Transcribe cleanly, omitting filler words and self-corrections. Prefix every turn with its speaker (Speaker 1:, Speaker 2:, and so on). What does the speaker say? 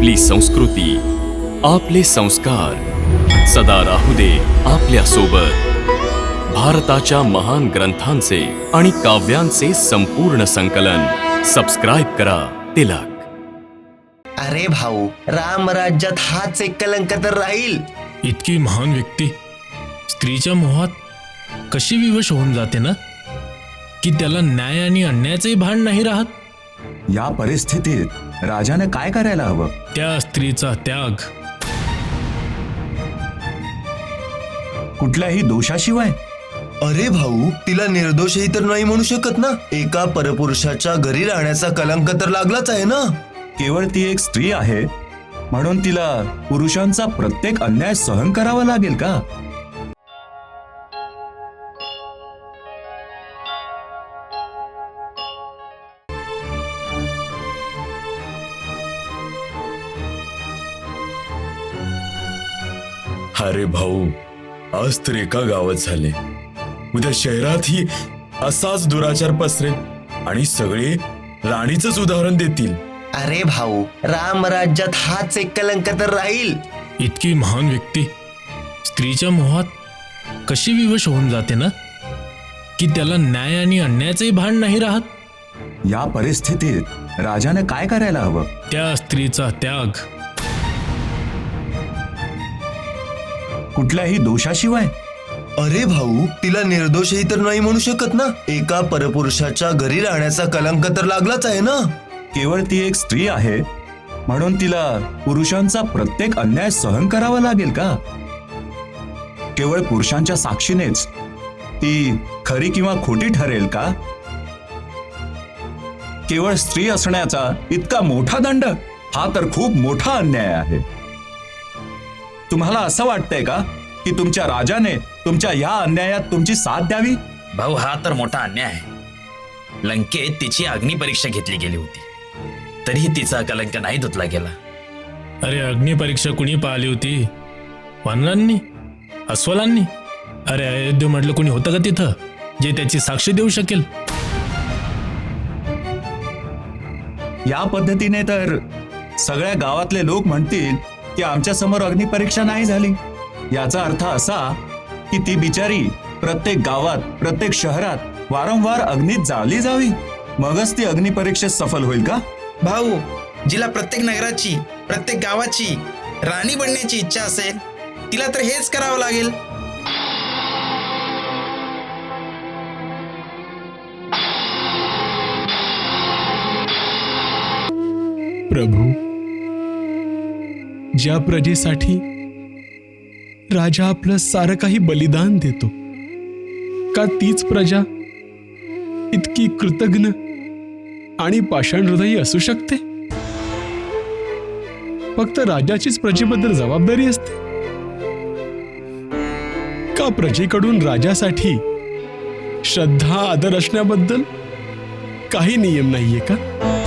Speaker 1: आपली संस्कृती, आपले संस्कार सदा राहू दे आपल्या सोबत। भारताच्या महान ग्रंथांचे आणि काव्यांचे संपूर्ण संकलन सबस्क्राइब करा तिलक।
Speaker 2: अरे भाऊ, राम राज्यात हाच एक कलंक तर राहील।
Speaker 3: इतकी महान व्यक्ती स्त्रीच्या मोहात कशी विवश होऊन जाते ना, की त्याला न्याय आणि अन्यायाचेही भान नाही राहत।
Speaker 4: या परिस्थितीत राजाने काय करायला हवं?
Speaker 3: त्या स्त्रीचा त्याग
Speaker 4: कुठल्याही दोषाशिवाय?
Speaker 2: अरे भाऊ, तिला निर्दोषही तर नाही म्हणू शकत ना। एका परपुरुषाच्या घरी राहण्याचा कलंक तर लागलाच आहे ना।
Speaker 4: केवळ ती एक स्त्री आहे म्हणून तिला पुरुषांचा प्रत्येक अन्याय सहन करावा लागेल का?
Speaker 5: अरे भाऊ, आज तर एका गावात झाले, उद्या शहरातही असाच दुराचार पसरेल आणि सगळे राणीचंच उदाहरण देतील।
Speaker 2: अरे भाऊ, राम राज्यात हाच एक कलंक तर राहील।
Speaker 3: इतकी महान व्यक्ती स्त्रीच्या मोहात कशी विवश होऊन जाते ना, की त्याला न्याय आणि अन्यायाचेही भान नाही राहत।
Speaker 4: या परिस्थितीत राजाने काय करायला हवं?
Speaker 3: त्या स्त्रीचा त्याग
Speaker 4: कुठल्याही दोषाशिवाय?
Speaker 2: अरे भाऊ, तिला निर्दोषही तर नाही म्हणू शकत ना। एका परपुरुषाच्या घरी राहण्याचा कलंक तर लागलाच आहे ना।
Speaker 4: केवळ ती एक स्त्री आहे म्हणून तिला पुरुषांचा प्रत्येक अन्याय सहन करावा लागेल का? केवळ पुरुषांच्या साक्षीनेच ती खरी किंवा खोटी ठरेल का? केवळ स्त्री असण्याचा इतका मोठा दंड, हा तर खूप मोठा अन्याय आहे। तुम्हाला असं वाटतंय का की तुमच्या राजाने तुमच्या या अन्यायात तुमची साथ द्यावी?
Speaker 6: भाऊ, हा तर मोठा अन्याय आहे। लंकेत तिची अग्निपरीक्षा घेतली गेली होती, तरीही तिचा कलंक नाही धुतला गेला।
Speaker 3: अरे अग्निपरीक्षा कुणी पाहिली होती? वानरांनी? अस्वलांनी? अरे अयोध्या म्हटलं कुणी होतं का तिथं जे त्याची साक्ष देऊ शकेल?
Speaker 4: या पद्धतीने तर सगळ्या गावातले लोक म्हणतील की आमच्या समोर अग्निपरीक्षा नाही झाली। याचा अर्थ असा की ती बिचारी प्रत्येक गावात, प्रत्येक शहरात वारंवार अग्नीत जाळली जावी, मगच ती अग्निपरीक्षेत सफल होईल का?
Speaker 7: भाऊ, जिला प्रत्येक नगराची, प्रत्येक गावाची राणी बनण्याची इच्छा असेल, तिला तर हेच करावं लागेल।
Speaker 8: प्रभू, ज्या प्रजेसाठी राजा आपलं सारं काही बलिदान देतो, का तीच प्रजा इतकी कृतज्ञ आणि पाषाण हृदयी असू शकते? फक्त राजाचीच प्रजेबद्दल जबाबदारी असते का प्रजेकडून राजासाठी श्रद्धा आदर असण्याबद्दल काही नियम नाहीये का?